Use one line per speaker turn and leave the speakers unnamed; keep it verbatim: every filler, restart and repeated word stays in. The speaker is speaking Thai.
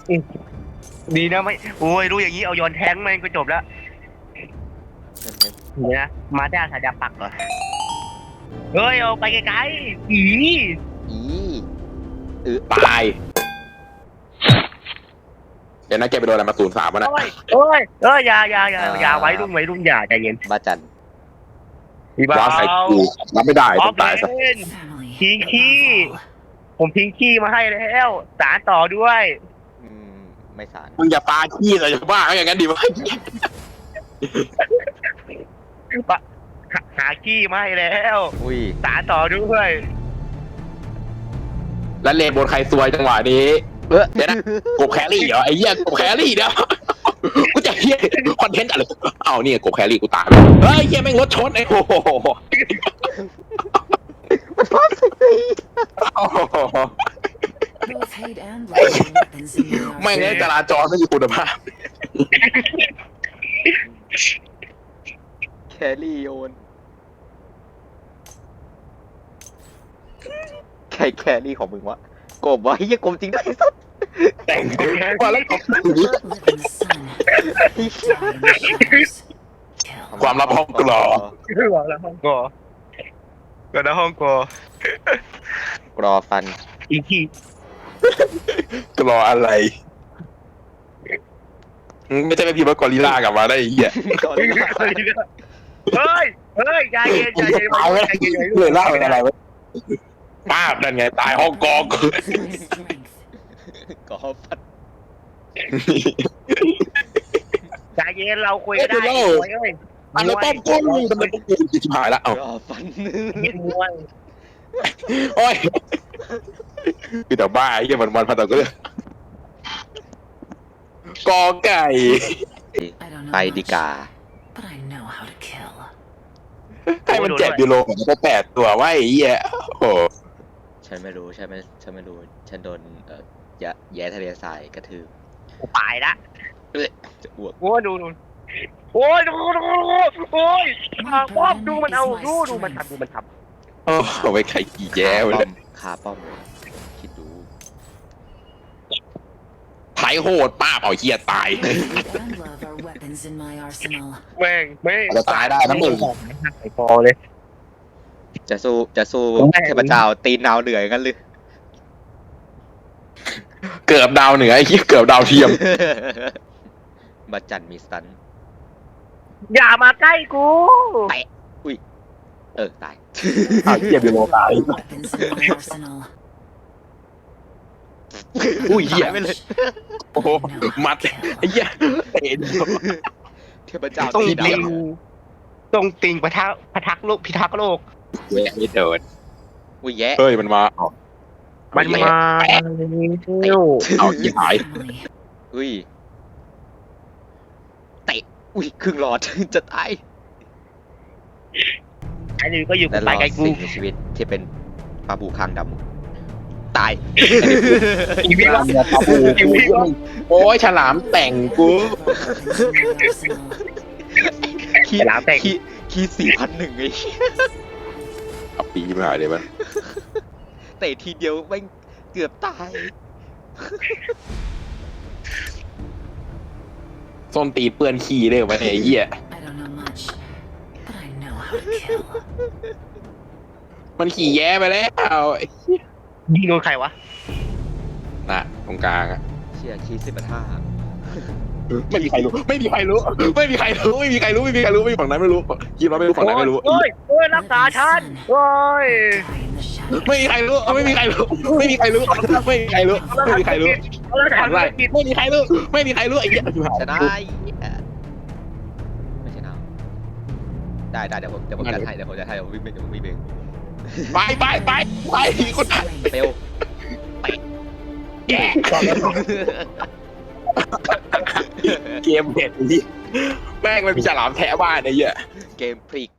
ดีนะไม่โอ้ยรู้อย่างนี้เอาโยนแทงมันก็จบแล้วเนี่ยมาด้าสายดาปักเหรอเฮ้ยเอาไปไกลๆอี
อีเออตายเดี๋ยวนะแกไปโดนอะไรมาศูนย์สามวะนะ
โอ้ยโอ้ยเอ้ยอย่าอย่าอย่าอย่าไว้รุ่งไว้รุ่งอย่าใจเย็น
บ้าจัน
พี่บ้า
ว้าใส่กูรับไม่ได้ต้องตายซะ
ทิ้งขี้ผมทิ้งขี้มาให้แล้วสารต่อด้วย
อืมไม่สาร
มึงอย่าปาขี้เลยอย่าบ้าอย่างนั้นดิวะ
หาขี้มาให้แล้ว
อุ้ย
สารต่อด้วย
แล้วเลนบนใครซวยจังหวะนี้เออเดี๋ยวนะกบแครี่เหรอไอ้เหี้ยกบแครี่เดี๋ยวกูจะเหี้ยคอนเทนต์อะไรเอาเนี่ยกบแครี่กูตายเฮ้ยเหี้ยแม่งรถชนไอ้โห
มันพอสิ
แม่งเลยจราจรไม่มีคุณภาพ
แครี่โยนใครแครี่ของมึงวะกบวะเฮียกบจริงด้วยสัส
แต่งว่าแล้วความลับห้องกลอ
ความลับห้องกอก็ในห้องกอก
รอฟัน
อีกที
กลออะไรไม่ใช่ไปพิมพ์ว่ากอริลลากลับมาได้ไอ้เหี้ย
เฮ้ยเฮ้ยใจเย็นใจเย็นใจเย็น
เลยล่าเป็นอะไรวะป้าบนั่นไงตายห้องกอง
กอฟัน
ใจเย็นเราคุยกันได้เฮ้ย
อันแล้วป้อมกุ้งทำไมป้อมกุ้งชิบหายละเอ้าก
อฟัน
ยิงมวย
โอ้ยคือแต่บ้าไอ้เหี้ยมันมันพันตะเกือกอไก่
ไปดีกา
ให้มันเจ็บยูโรผมก็แปดตัวว่าไอ้เหี้ยโอ้
ฉันไม่รู้ฉันไม่ฉันไม่รู้ฉันโดนเอ่อแย่ทะเลทรายกระทืบ
ตายละ
จะอ้วก
โอ้ดูดูโอ้ยดูดูโอ้ยป้อมดูมันเอาดูดูมันทำดูมันทำ
โอ้เอาไปใครกี่แย่เลย
คาป้อมเลยคิดดู
ไถโหดป้าเอาเหี้ยตาย
แม่งไม่
จะตายได้นะมึง
ไอ้พอเลย
จะสู้จะสู้เทพเจ้าตีนดาวเหนือกันหรือ
เกือบดาวเหนือไอ้เหี้ยเกือบดาวเทียม
บัจจันมีสตัน
อย่ามาใกล้กู
แตะอุ้ยเออตาย
อ้าวเหี้ยบิโลตายอุ้ยเหี้ย
ไม่เลย
โอ้มัดไอ้เหี้ยเตะ
เทพเจ้า
ต้องติงต้องติงพะทักพะทักโลกพิทักษ์โลก
แย่ไม่เดิน
อุ้ยแย่
เฮ้ยมันมา
มันมา
เอายี่หาย
อุ้ยเตะอุ้ยครึ่งหลอดจะตาย
ไอ้นี่ก็อยู่กับไปไกลกู
สิ่งในชีวิตที่เป็นปลาบูคางดำตาย
อีวิลล์
ปลาบูโอ้ยฉลามแต่งกู
คีฉลามแต่งคีสี่พันหนึ่งไอ้
เอาปีมาหายเลยมัน
เตะทีเดียวแม่งเกือบตาย
ส้นตีเปื้อนขี้เลยวันไอ้เหี้ยมันขี่แย่ไปแล้ว
ยิงโดนใครวะ
น่ะตรงกลางอะ
เชี่ยคีสิบห้า
ไม่มีใครรู้ไม่มีใครรู้ไม่มีใครรู้ไม่มีใครรู้ไม่มีใครรู้ไม่มีฝั่งนั้นไม่รู้คิดว่าไม่รู้ฝั่งนั้นไม่รู้
โอ้ยโอ้ยรักษาฉันโอ้ย
ไม่มีใครรู้ไม่มีใครรู้ไม่มีใครรู้ไม่มีใครรู้ไม่มีใครรู้อะไรไม่มีใครรู้ไม่มีใครรู้ไอ้เหี้ย
ชนะไม่ชนะได้ได้เดี๋ยวผมเดี๋ยวผมจะให้เดี๋ยวผมจะให้เดี๋ยวผมวิ่งเดี๋ยวผมวิ่งเอง
ไปไปไปไปคนไทย
เปลวไป
แย่เกมเผ็ดดิแม่งมันมีฉลามแท้บ้านไอ้เหี้ย
เกมพลิก